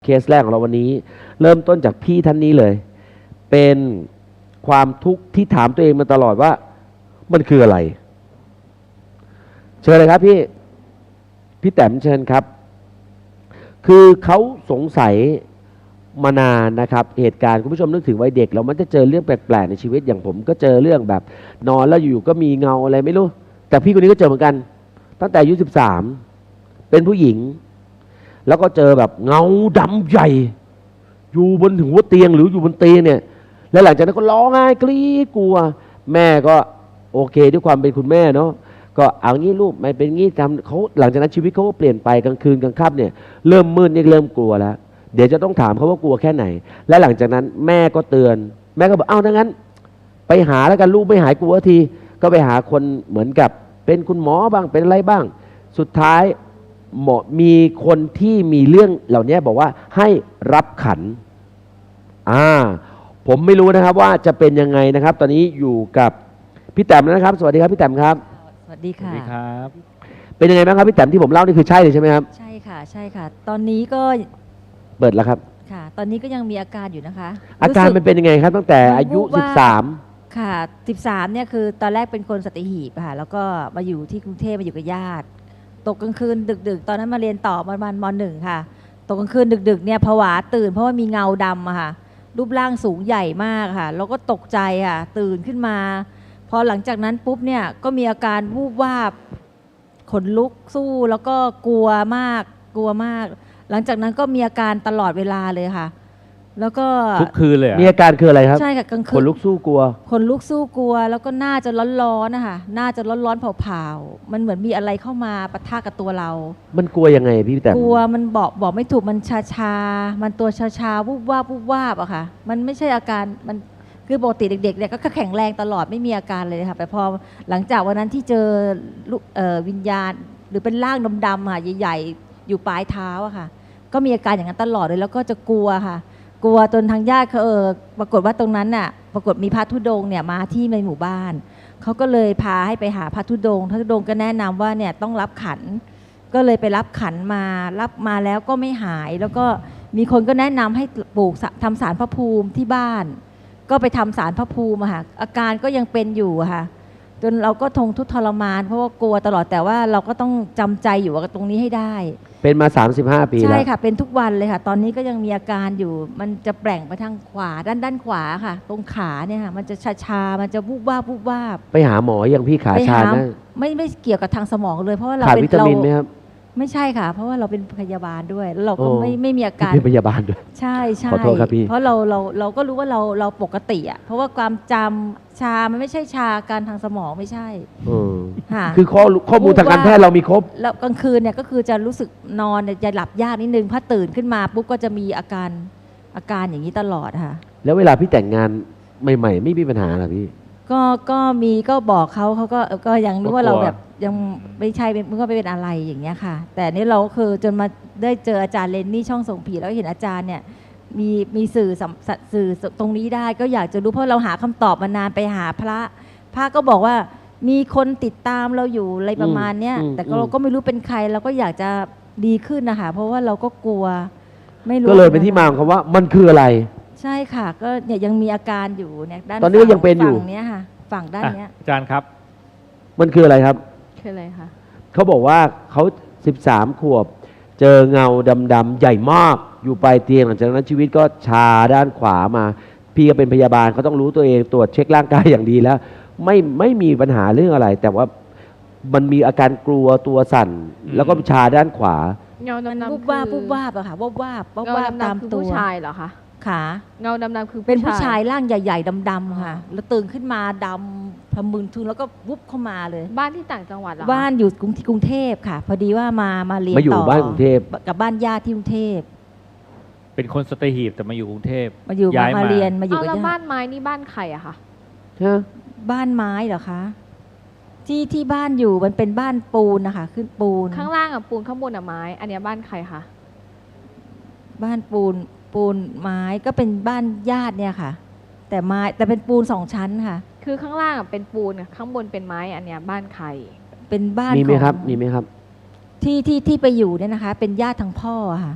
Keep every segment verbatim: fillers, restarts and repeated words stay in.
เคสแรกของเราวันนี้เริ่มต้นจากพี่ท่านนี้เลย เป็นความทุกข์ที่ถามตัวเองมาตลอดว่ามันคืออะไรเชิญเลยครับพี่พี่แต้มเชิญครับคือเขาสงสัยมานานนะครับเหตุการณ์คุณผู้ชมนึกถึงวัยเด็กเรามันจะเจอเรื่องแปลกๆในชีวิตอย่างผมก็เจอเรื่องแบบนอนแล้วอยู่ก็มีเงาอะไรไม่รู้แต่พี่คนนี้ก็เจอเหมือนกันตั้งแต่อายุสิบสามเป็นผู้หญิงแล้วก็เจอแบบเงาดำใหญ่อยู่บนหัวเตียงหรืออยู่บนเตียงเนี่ยแล้วหลังจากนั้นก็ร้องไห้กรี๊ดกลัวแม่ก็โอเคด้วยความเป็นคุณแม่เนาะก็เอางี้ลูกไม่เป็นงี้ทำเขาหลังจากนั้นชีวิตเขาก็เปลี่ยนไปกลางคืนกลางค่ำเนี่ยเริ่มมืดนี่เริ่มกลัวแล้วเดี๋ยวจะต้องถามเขาว่ากลัวแค่ไหนและหลังจากนั้นแม่ก็เตือนแม่ก็บอกเอ้าถ้างั้นไปหาแล้วกันลูกไม่หายกลัวทีก็ไปหาคนเหมือนกับเป็นคุณหมอบ้างเป็นอะไรบ้างสุดท้ายหมอมีคนที่มีเรื่องเหล่านี้บอกว่าให้รับขันอ่าผมไม่รู้นะครับว่าจะเป็นยังไงนะครับตอนนี้อยู่กับพี่แต้มนะครับสวัสดีครับพี่แต้มครับสวัสดีค่ะสวัสดีครับเป็นยังไงบ้างครับพี่แต้มที่ผมเล่านี่คือใช่เลยใช่ไหมครับใช่ค่ะใช่ค่ะตอนนี้ก็เปิดแล้วครับค่ะตอนนี้ก็ยังมีอาการอยู่นะคะอาการมันเป็นยังไงครับตั้งแต่อายุสิบสามค่ะสิบสามเนี่ยคือตอนแรกเป็นคนสัตหีบค่ะแล้วก็มาอยู่ที่กรุงเทพมาอยู่กับญาติตกกลางคืนดึกๆตอนนั้นมาเรียนต่อประมาณมหนึ่งค่ะตกกลางคืนดึกๆเนี่ยผวาตื่นเพราะว่ามีเงาดำอะค่ะรูปร่างสูงใหญ่มากค่ะแล้วก็ตกใจค่ะตื่นขึ้นมาพอหลังจากนั้นปุ๊บเนี่ยก็มีอาการวูบวาบขนลุกสู้แล้วก็กลัวมากกลัวมากหลังจากนั้นก็มีอาการตลอดเวลาเลยค่ะแล้วก็ทุกคืนเลยมีอาการคืออะไรครับใช่ค่ะกลางคืนขนลุกสู้กลัวขนลุกสู้กลัวแล้วก็หน้าจะร้อนๆนะคะหน้าจะร้อนๆเผาๆมันเหมือนมีอะไรเข้ามาปะทะกับตัวเรามันกลัวยังไงพี่แต่กลัวมันบอกบอกไม่ถูกมันชาชามันตัวชาชาวูบวาบวูบวาบอะค่ะมันไม่ใช่อาการมันคือปกติเด็กๆเนี่ยก็แข็งแรงตลอดไม่มีอาการเลยค่ะแต่พอหลังจากวันนั้นที่เจอวิญญาณหรือเป็นร่างดำๆค่ะใหญ่ๆอยู่ปลายเท้าอะค่ะก็มีอาการอย่างนั้นตลอดเลยแล้วก็จะกลัวค่ะกลัวจนทางญาติเขาเออปรากฏว่าตรงนั้นน่ะปรากฏมีพระธุดงค์เนี่ยมาที่ในหมู่บ้านเขาก็เลยพาให้ไปหาพระธุดงค์พระธุดงค์ก็แนะนำว่าเนี่ยต้องรับขันก็เลยไปรับขันมารับมาแล้วก็ไม่หายแล้วก็มีคนก็แนะนำให้ปลูกทำศาลพระภูมิที่บ้านก็ไปทำศาลพระภูมิค่ะอาการก็ยังเป็นอยู่ค่ะจนเราก็ทนทุกข์ทรมานเพราะว่ากลัวตลอดแต่ว่าเราก็ต้องจำใจอยู่กับตรงนี้ให้ได้เป็นมาสามสิบห้าปีแล้วใช่ค่ะเป็นทุกวันเลยค่ะตอนนี้ก็ยังมีอาการอยู่มันจะแปลงไปทางขวาด้านด้านขวาค่ะตรงขาเนี่ยค่ะมันจะชาชามันจะวูบวาบวูบวาบไปหาหมออย่างพี่ขาชานะไม่ไม่เกี่ยวกับทางสมองเลยเพราะว่าเราเป็นวิตามินไหมครับไม่ใช่ค่ะเพราะว่าเราเป็นพยาบาลด้วยแล้วเราก็ไม่ไม่มีอาการเป็นพยาบาลด้วยใช่ใช่ขอโทษครับพี่เพราะเราเราเราก็รู้ว่าเราเราปกติอ่ะเพราะว่าความจำชามันไม่ใช่ชาการทางสมองไม่ใช่ค่ะคือข้อข้อมูลทางการแพทย์เรามีครบแล้วกลางคืนเนี่ยก็คือจะรู้สึกนอนจะหลับยากนิดนึงพอตื่นขึ้นมาปุ๊บก็จะมีอาการอาการอย่างนี้ตลอดค่ะแล้วเวลาพี่แต่งงานใหม่ๆไม่มีปัญหาหรอพี่ก็ก็มีก็บอกเขาเขาก็ก็ยังรู้ว่าเราแบบยังไม่ใช่มันก็ไม่เป็นอะไรอย่างเงี้ยค่ะแต่นี่เราคือจนมาได้เจออาจารย์เลนนี่ช่องส่งผีแล้วเห็นอาจารย์เนี่ยมีมีสื่อสื่อตรงนี้ได้ก็อยากจะรู้เพราะเราหาคำตอบมานานไปหาพระพระก็บอกว่ามีคนติดตามเราอยู่อะไรประมาณเนี้ยแต่เราก็ไม่รู้เป็นใครเราก็อยากจะดีขึ้นนะคะเพราะว่าเราก็กลัวไม่รู้ก็เลยเป็นที่มาของคำว่ามันคืออะไรใช่ค่ะก็เนี่ยยังมีอาการอยู่เนี่ยด้านตอนนี้ก็ยังเป็นอยู่ฝั่งเนี้ยค่ะฝั่งด้านเนี้ยอาจารย์ครับมันคืออะไรครับคืออะไรคะเขาบอกว่าเขาสิบสามขวบเจอเงาดำๆใหญ่มากอยู่ปลายเตียงหลังจากนั้นชีวิตก็ชาด้านขวามาพี่ก็เป็นพยาบาลเขาต้องรู้ตัวเองตรวจเช็คร่างกายอย่างดีแล้วไม่ไม่มีปัญหาเรื่องอะไรแต่ว่ามันมีอาการกลัวตัวสั่นแล้วก็ชาด้านขวาเงาดำๆวูบวาบวูบวาบอะค่ะวูบวาบวูบวาบตามตัวผู้ชายเหรอคะขาเงาดำๆคือเป็นผู้ชายร่างใหญ่ๆดำๆค่ะแล้วตื่นขึ้นมาดำพมึนทึงแล้วก็วุบเข้ามาเลยบ้านที่ต่างจังหวัดเหรอบ้านอยู่กรุงกรุงเทพค่ะพอดีว่ามามาเรียนต่อมาอยู่บ้านกรุงเทพกับบ้านญาติที่กรุงเทพเป็นคนสตหีบแต่มาอยู่กรุงเทพมาอยู่มาเรียนมาอยู่กับญาติแล้วบ้านไม้นี่บ้านใครอะคะบ้านไม้เหรอคะที่ที่บ้านอยู่มันเป็นบ้านปูนนะคะขึ้นปูนข้างล่างอะปูนข้างบนอะไม้อันนี้บ้านใครคะบ้านปูนปูนไม้ก็เป็นบ้านญาติเนี่ยค่ะแต่ไม้แต่เป็นปูนสองชั้นค่ะคือข้างล่างเป็นปูนข้างบนเป็นไม้อันเนี้ยบ้านใครเป็นบ้านมีไหมครับมีไหมครับที่ที่ที่ไปอยู่เนี่ยนะคะเป็นญาติทางพ่อค่ะ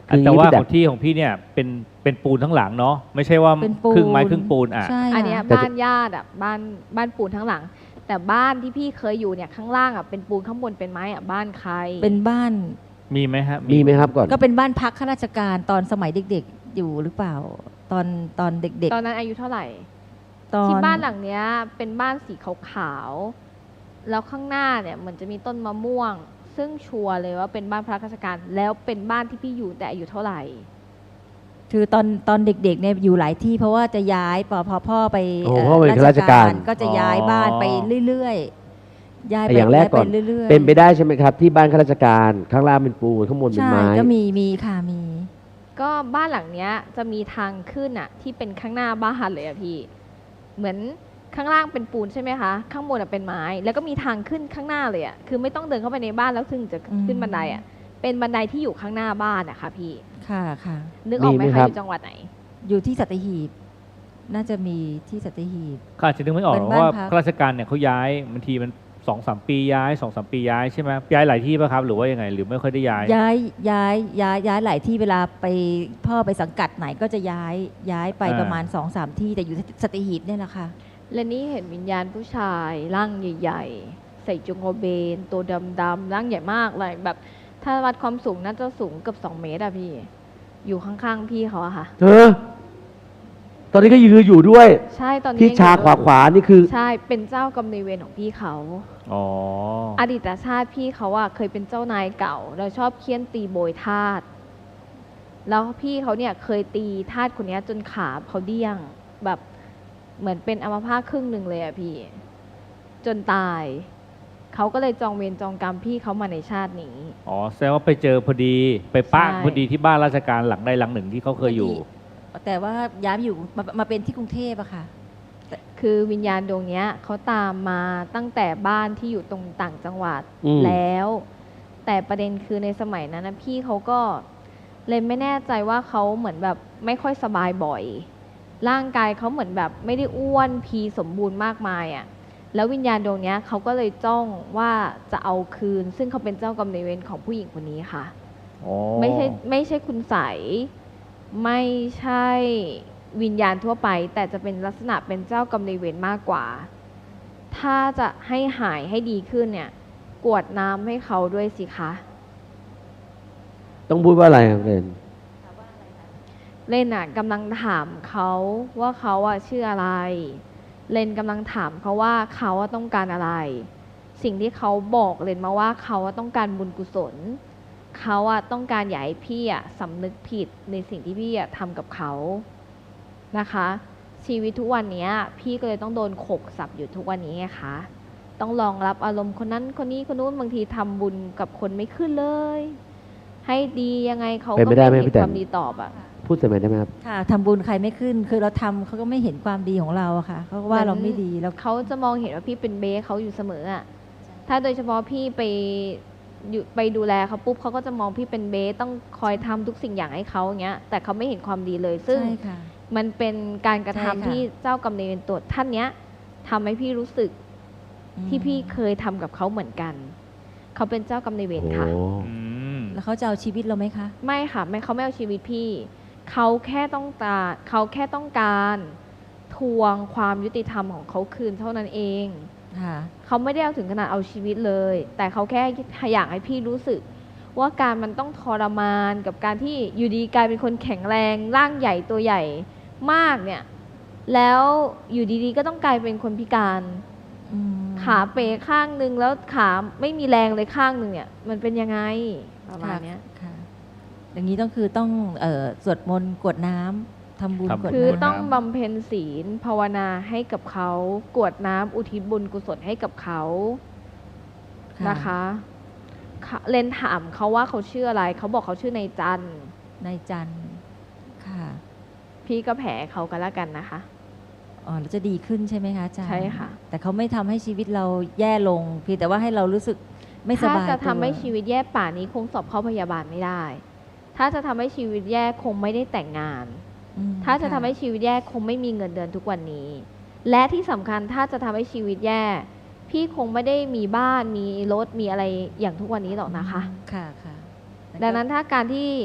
คือแต่ว่าพี่ของที่ของพี่เนี่ยเป็นเป็นปูนทั้งหลังเนาะไม่ใช่ว่าเป็นปูนครึ่งไม้ครึ่งปูนอ่ะใช่อันเนี้ยค่ะบ้านญาติอ่ะบ้านบ้านปูนทั้งหลัง แต่บ้านที่พี่เคยอยู่เนี่ยข้างล่างอ่ะเป็นปูนข้างบนเป็นไม้อ่ะบ้านใครเป็นบ้านมีไหมฮะมีไหมครับก่อนก็เป็นบ้านพักข้าราชการตอนสมัยเด็กๆอยู่หรือเปล่า ตอนตอนเด็กตอนนั้นอายุเท่าไหร่ๆ ตอนที่บ้านหลังเนี้ยเป็นบ้านสีขาวๆแล้วข้างหน้าเนี่ยเหมือนจะมีต้นมะม่วง ซึ่งชัวร์เลยว่าเป็นบ้านพระราชการแล้วเป็นบ้านที่พี่อยู่แต่อายุเท่าไหร่คือตอนตอนเด็กๆเนี่ยอยู่หลายที่เพราะว่าจะย้ายพอพอพ่อไปโอ้เอ่อพ่อเป็นข้าราชการก็จะย้ายบ้านไปเรื่อยๆย้ายไปอย่างแรกก่อนย้ายไปเรื่อยๆเป็นไปได้ใช่ไหมครับ ที่บ้านข้าราชการข้างล่างเป็นปูนข้างบนเป็นใช่ไม้ก็มีมีค่ะมีก็บ้านหลังเนี้ยจะมีทางขึ้นอะที่เป็นข้างหน้าบ้านเลยอะพี่ เหมือนข้างล่างเป็นปูนใช่ไหมคะ ข้างบนอะเป็นไม้ แล้วก็มีทางขึ้นข้างหน้าเลยอะคือไม่ต้องเดินเข้าไปในบ้านแล้วถึงจะขึ้นบันไดอะเป็นบันไดที่อยู่ข้างหน้าบ้านอะค่ะพี่ค่ะค่ะนึกออกไหมมีไหมคคะรับอยู่จังหวัดไหนอยู่ที่สัตหีบ น่าจะมีที่สัตหีบก็อาจจะนึกไม่ออกเป็นเพราะว่าบ้านพักข้าราชการเนี่ยเขาย้ายบางทีมันสองสามปีย้ายสองสามปีย้ายใช่ไหมย้ายหลายที่ป่ะครับหรือว่ายังไงหรือไม่ค่อยได้ย้ายย้ายย้ายย้ายย้ายหลายที่เวลาไปพ่อไปสังกัดไหนก็จะย้ายย้ายไปอ่าประมาณสองสามที่แต่อยู่ที่สัตหีบเนี่ยแหละค่ะและนี่เห็นวิญญาณผู้ชายร่างใหญ่ๆ ใส่จุงโกเบน ตัวดำๆร่างใหญ่มากเลยแบบ ถ้าวัดความสูงน่าจะสูงเกือบสองเมตรอะพี่ อยู่ข้างๆพี่เขาอะค่ะเธอตอนนี้ก็ยืนอยู่ด้วยใช่ตอนนี้ที่ยังชาอยู่ขวาขวานี่คือใช่เป็นเจ้ากรรมนายเวรของพี่เขาอ๋ออดีตชาติพี่เขาอะเคยเป็นเจ้านายเก่าเราชอบเคี่ยนตีโบยทาสแล้วพี่เขาเนี่ยเคยตีทาสคนเนี้ยจนขาเขาเดี้ยง แบบเหมือนเป็นอัมพาตครึ่งหนึ่งเลยอะพี่ จนตาย เขาก็เลยจองเวรจองกรรมพี่เขามาในชาตินี้อ๋อแสดงว่าไปเจอพอดีไปป้างใช่พอดีที่บ้านราชการหลังใดหลังหนึ่งที่เขาเคยอยู่แต่ว่าย้ายมาอยู่มามาเป็นที่กรุงเทพอะค่ะคือวิญญาณดวงเนี้ยเขาตามมาตั้งแต่บ้านที่อยู่ตรงต่างจังหวัดอืมแล้ว แต่ประเด็นคือในสมัยนั้นนะพี่เขาก็เลยไม่แน่ใจว่าเขาเหมือนแบบไม่ค่อยสบายบ่อย ร่างกายเขาเหมือนแบบไม่ได้อ้วนพีสมบูรณ์มากมายอะ่ะแล้ววิญญาณดวงเนี้ยเขาก็เลยจ้องว่าจะเอาคืน ซึ่งเขาเป็นเจ้ากรรมนายเวรของผู้หญิงคนนี้ค่ะอ๋อไม่ใช่ไม่ใช่คุณใสยไม่ใช่วิญญาณทั่วไป แต่จะเป็นลักษณะเป็นเจ้ากรรมนายเวรมากกว่า ถ้าจะให้หายให้ดีขึ้นเนี่ย กรวดน้ำให้เขาด้วยสิคะต้องพูดว่าอะไรครับเรนเล่นน่ะกำลังถามเขาว่าเขาอะชื่ออะไร เลนกำลังถามเขาว่าเขาอะต้องการอะไร สิ่งที่เขาบอกเลนมาว่าเขาอะต้องการบุญกุศล เขาอะต้องการอยากให้พี่อะสำนึกผิดในสิ่งที่พี่อะทำกับเขานะคะ ชีวิตทุกวันเนี้ยพี่ก็เลยต้องโดนขกสับอยู่ทุกวันนี้ไงคะ ต้องรองรับอารมณ์คนนั้นคนนี้คนนู้นบางทีทำบุญกับคนไม่ขึ้นเลย ให้ดียังไงเขาเป็นก็ไปได้ไหมไม่เห็พี่นแตนความดีตอบอะพูดใส่ไหมได้ไหมครับค่ะทำบุญใครไม่ขึ้น คือเราทำเขาก็ไม่เห็นความดีของเราอะค่ะเขาก็ว่าเราไม่ดีแล้วเขาจะมองเห็นว่าพี่เป็นเบสเขาอยู่เสมออะถ้าโดยเฉพาะพี่ไปอยู่ไปดูแลเขาปุ๊บเขาก็จะมองพี่เป็นเบสต้องคอยทำทุกสิ่งอย่างให้เขาอย่างเงี้ย แต่เขาไม่เห็นความดีเลย ซึ่งใช่ค่ะมันเป็นการกระทำใช่ค่ะที่เจ้ากรรมนายเวรตัวท่านเนี้ยทำให้พี่รู้สึกอืมที่พี่เคยทำกับเขาเหมือนกัน เขาเป็นเจ้ากรรมนายเวรโอ้ค่ะอืมแล้วเขาจะเอาชีวิตเราไหมคะไม่ค่ะไม่เขาไม่เอาชีวิตพี่ เขาแค่ต้องการเขาแค่ต้องการทวงความยุติธรรมของเขาคืนเท่านั้นเองค่ะเขาไม่ได้เอาถึงขนาดเอาชีวิตเลย แต่เขาแค่อยากให้พี่รู้สึก ว่าการมันต้องทรมานกับการที่อยู่ดีกลายเป็นคนแข็งแรงร่างใหญ่ตัวใหญ่มากเนี่ย แล้วอยู่ดีๆก็ต้องกลายเป็นคนพิการอืมขาเป๋ข้างหนึ่งแล้วขาไม่มีแรงเลยข้างหนึ่งเนี่ย มันเป็นยังไงประมาณเนี้ยค่ะ อย่างนี้ต้องคือต้องเอ่อสวดมนต์กรวดน้ำทำบุญทำกรวดคือน้ำต้องบำเพ็ญศีลภาวนาให้กับเขากรวดน้ำอุทิศบุญกุศลให้กับเขานะคะค่ะเลนถามเขาว่าเขาชื่ออะไร เขาบอกเขาชื่อนายจันทร์นายจันทร์ค่ะพี่ก็แผลเขากันแล้วกันนะคะอ๋อแล้วจะดีขึ้นใช่ไหมคะอาจารย์ใช่ค่ะแต่เขาไม่ทำให้ชีวิตเราแย่ลงเพียงแต่ว่าให้เรารู้สึกไม่สถ้าบายจะทำตัวให้ชีวิตแย่ป่านี้คงสอบเข้าพยาบาลไม่ได้ ถ้าจะทำให้ชีวิตแย่คงไม่ได้แต่งงานอืมถ้าจะค่ทำให้ชีวิตแย่คงไม่มีเงินเดือนทุกวันนี้ และที่สำคัญถ้าจะทำให้ชีวิตแย่ พี่คงไม่ได้มีบ้านมีรถมีอะไรอย่างทุกวันนี้หรอกนะคะค่ะค่ะดังนั้นถ้าการที่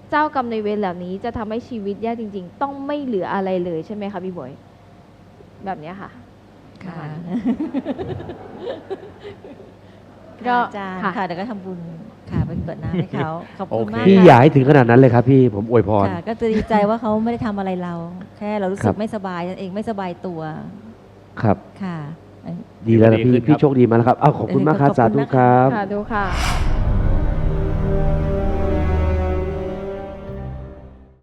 เจ้ากรรมในายเวรเหล่านี้จะทำให้ชีวิตแย่จริง ๆ ต้องไม่เหลืออะไรเลยใช่ไหมคะพี่บวยแบบเนี้ยค่ะค่ะก็ก็อาจารย์ค่ะค่ะเดี๋ยวก็ทำบุญค่ะไปเปิดน้ำให้เขาขอบคุณโอเคมากพี่ค่ะอย่าให้ถึงขนาดนั้นเลยครับพี่ผมอวยพรค่ะ ก็จะดีใจว่าเขาไม่ได้ทำอะไรเรา แค่เรารู้สึครักบไม่สบายนั่นเองไม่สบายตัวครับค่ะดีแล้วนะดีขึ้พี่นครับพี่โชคดีมากแล้วครับอ้าวขอบคุณมากครับขอบสาคุณธุนะคะครับค่ะดูค่ะ